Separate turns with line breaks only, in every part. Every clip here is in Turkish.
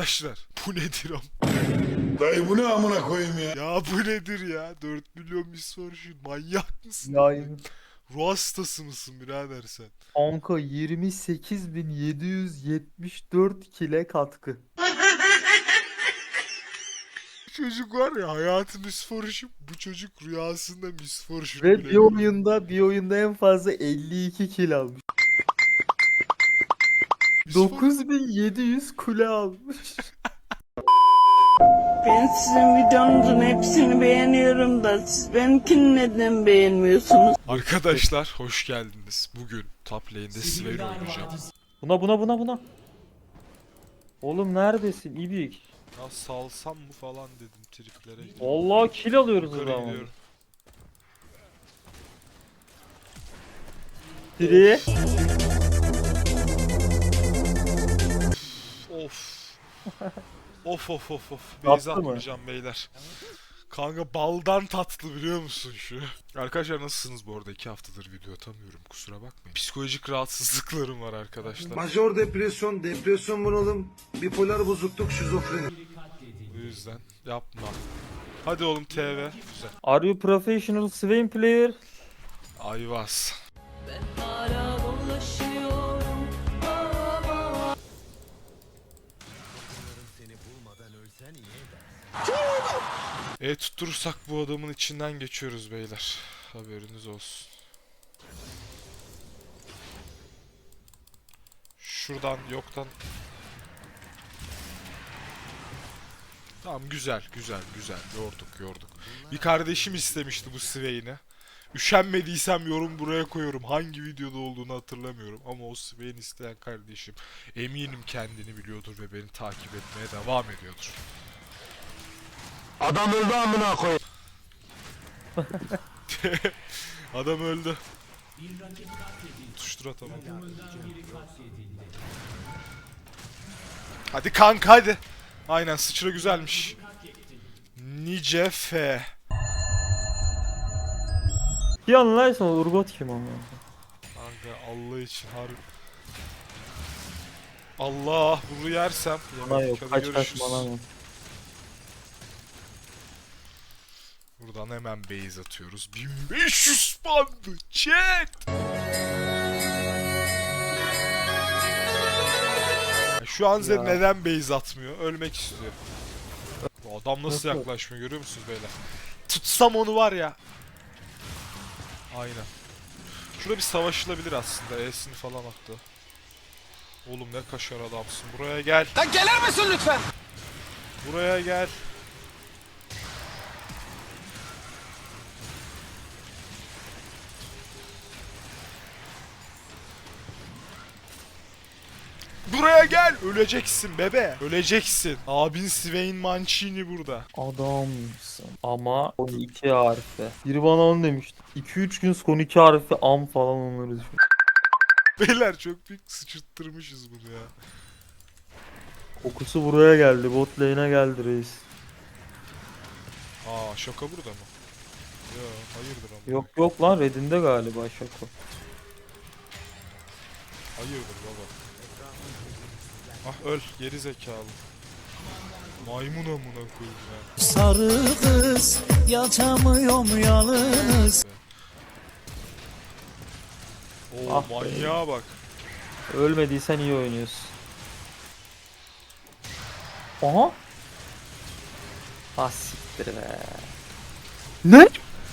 Arkadaşlar bu nedir am?
Dayı bu ne amına koyayım ya?
Ya bu nedir ya? 4 milyon misfortune, manyak mısın?
Ya
Ruh hastası mısın birader sen?
kanka 28.774 kile katkı.
Bu çocuk var ya, hayatı misfortune, bu çocuk rüyasında misfortune
Ve
bile
bir oyunda en fazla 52 kil almış. 9700 kule almış.
Ben sizin videonuzun hepsini beğeniyorum da siz benimkini neden beğenmiyorsunuz?
Arkadaşlar hoş geldiniz. Bugün top lane'de Swain oynayacağım.
Buna. Oğlum neredesin İbik?
Ya salsam mı falan dedim triplere.
Allah kil alıyoruz o
Yukarı
zaman.
gidiyorum.
Biri.
Of. Of. Beyza
Tatlı mı?
atmayacağım beyler. Kanka baldan tatlı biliyor musun şu? Arkadaşlar nasılsınız bu arada? 2 haftadır video atamıyorum, kusura bakmayın. Psikolojik rahatsızlıklarım var arkadaşlar.
Majör depresyon bunalım, bipolar bozukluk, şizofreni.
Bu yüzden yapma. Hadi oğlum TV. Güzel.
Are you professional Swain player?
Ayvaz. Tutturursak bu adamın içinden geçiyoruz beyler. Haberiniz olsun. Şuradan yoktan. Tamam, güzel. Yorduk. Bir kardeşim istemişti bu Swain'i. Üşenmediysem yorum buraya koyuyorum. Hangi videoda olduğunu hatırlamıyorum. Ama o Swain isteyen kardeşim eminim kendini biliyordur ve beni takip etmeye devam ediyordur.
Adam öldü amına koyayım.
Adam öldü. Tuştur atamam. Hadi kanka hadi. Aynen, sıçra güzelmiş. Nice F.
Bir anlaysan Urgot kim ama?
Kanka Allah için harbi. Allah, bunu yersem.
Bana
Yemedik,
yok.
hadi
Kaç
görüşürüz.
bana yok.
Buradan hemen base atıyoruz. 1500 bandı chat. Şu an Zed
Ya.
neden base atmıyor? Ölmek istiyor. Bu adam nasıl
Nasıl?
yaklaşmıyor görüyor musunuz beyler? Tutsam onu var ya. Aynen. Şurada bir savaşılabilir aslında. E'sini falan attı. Oğlum ne kaşar adamsın. Buraya gel.
Lan gelir misin lütfen?
Buraya gel. Buraya gel. Öleceksin bebe. Öleceksin. Abin Swain Mancini burada.
Adamsın. Ama 12 harfi. Biri bana onu demişti. 2-3 gün son 2 harfi am falan onları düşün.
Beyler çok büyük sıçırttırmışız bunu ya.
Kokusu buraya geldi. Bot lane'e geldi reis.
Aa, şaka burada mı? Ya hayırdır ama.
Yok lan Red'inde galiba şaka.
Hayırdır baba. Ah öl geri zekalı. Maymun amına koyayım ya.
Sarı kız yatamıyorum yalnız.
Oo
Ah be.
manyağa bak.
Ölmediysen iyi oynuyorsun. Aha. Ah siktir be. Ne?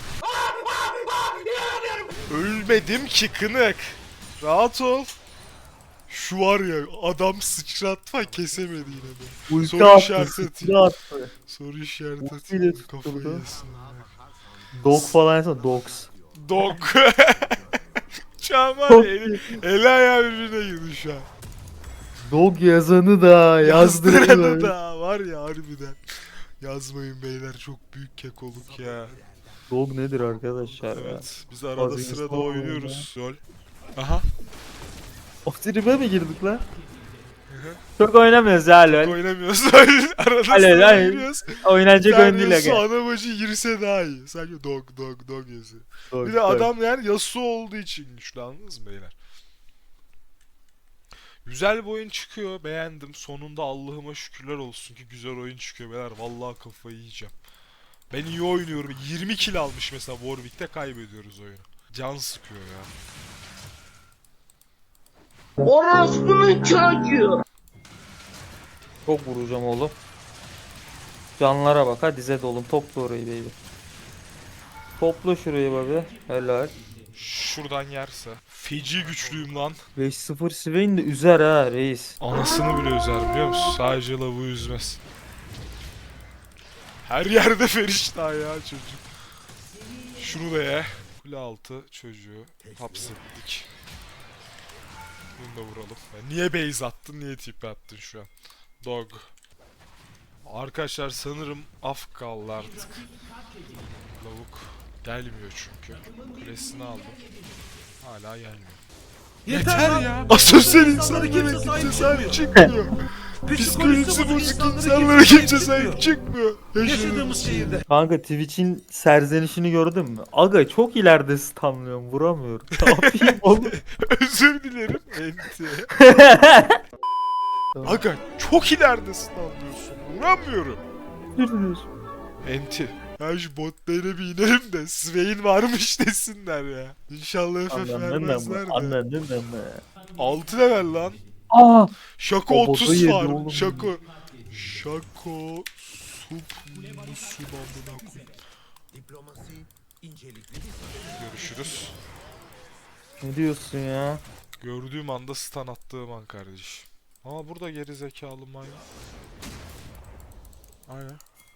Ölmedim ki kınık. Rahat ol. Şu var ya, adam sıçratma kesemedi yine de.
Ulti
Soru
attı.
işareti
Ulti
atayım.
attı.
Soru işareti
Ultiyle
atayım.
tutturdu.
Kafayı yesin.
Dog falan yapsa dogs.
Dog. Şu an var ya, eli ayağı birbirine girdi şu an.
Dog yazanı da
Yazdıranı
yazdırdı.
da var ya harbiden. Yazmayın beyler, çok büyük kekoluk ya.
Dog nedir arkadaşlar ya?
Evet, biz arada
Bazı
sırada
insan
oynuyoruz. Lol. Aha.
O tribe mi girdik lan? Çok oynamıyoruz ya lol.
Oynamıyoruz. Arada
Hayır,
sırada
hayır.
oynuyoruz.
Oynanacak oyun değil
Yasuo
aga.
ana bacı girse daha iyi. Sadece dog yazıyor.
Dog,
Bir de
dog.
adam yani Yasuo olduğu için güçlü, anladınız mı beyler? Güzel bir oyun çıkıyor. Beğendim. Sonunda Allah'ıma şükürler olsun ki güzel oyun çıkıyor beyler. Vallahi kafayı yiyeceğim. Ben iyi oynuyorum. 20 kill almış mesela Warwick'te, kaybediyoruz oyunu. Can sıkıyor ya.
Orospunun çocuğu.
Çok vuracağım oğlum. Canlara bak, hadi Zed oğlum, topla orayı baby. Topla şurayı baby. Helal.
Şuradan yerse. Feci güçlüyüm lan.
5-0 Swain de üzer ha reis.
Anasını bile üzer biliyor musun? Sadece lavuğu üzmez. Her yerde feriştah ya çocuk. Şunu da ye. Kule altı çocuğu hapsettik. Bunu da vuralım. Ya niye base attın, niye tip attın şu an? Dog. Arkadaşlar sanırım af kaldı artık. Lavuk gelmiyor çünkü. Kulesini aldım. Hala gelmiyor. Yeter ya. Asosyal insanlara kimse sahip çıkmıyor. Psikolojisi bozuk insanlara kimse sahip çıkmıyor.
Yaşadığımız şehirde.
Kanka Twitch'in serzenişini gördün mü? Aga çok ileride stunlıyorum, vuramıyorum. Ne yapayım oğlum?
Özür dilerim. Enti. Aga çok ileride stunlıyorsun. Vuramıyorum. Enti. Ya şu botlara bir inelim de Swain varmış desinler ya. İnşallah FF vermezler de.
Anladın mı?
6 level lan.
Aa!
Şako
O botu
30
yedi
var.
oğlum.
Şako. Şako. Sup. Amına koyayım. Görüşürüz.
Ne diyorsun ya?
Gördüğüm anda stun attığım an kardeşim. Aa burada geri zekalı manyak. Aynen.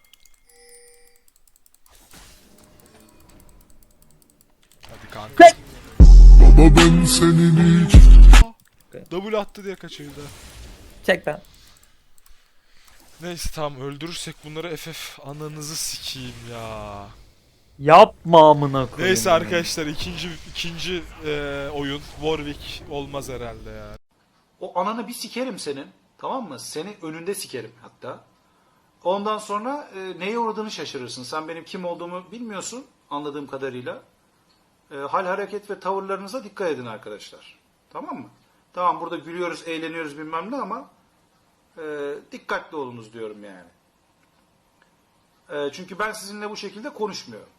Hadi kanka.
Baba ben senin hiç
W attı diye kaçırdı.
Çek lan.
Neyse tamam, öldürürsek bunları FF ananızı sikeyim ya.
Yapma amına koyayım.
Neyse
ya.
arkadaşlar ikinci oyun Warwick olmaz herhalde ya.
O ananı bir sikerim senin. Tamam mı? Seni önünde sikerim hatta. Ondan sonra neye uğradığını şaşırırsın. Sen benim kim olduğumu bilmiyorsun anladığım kadarıyla. Hal, hareket ve tavırlarınıza dikkat edin arkadaşlar. Tamam mı? Tamam burada gülüyoruz, eğleniyoruz bilmem ne ama dikkatli olunuz diyorum yani. Çünkü ben sizinle bu şekilde konuşmuyorum.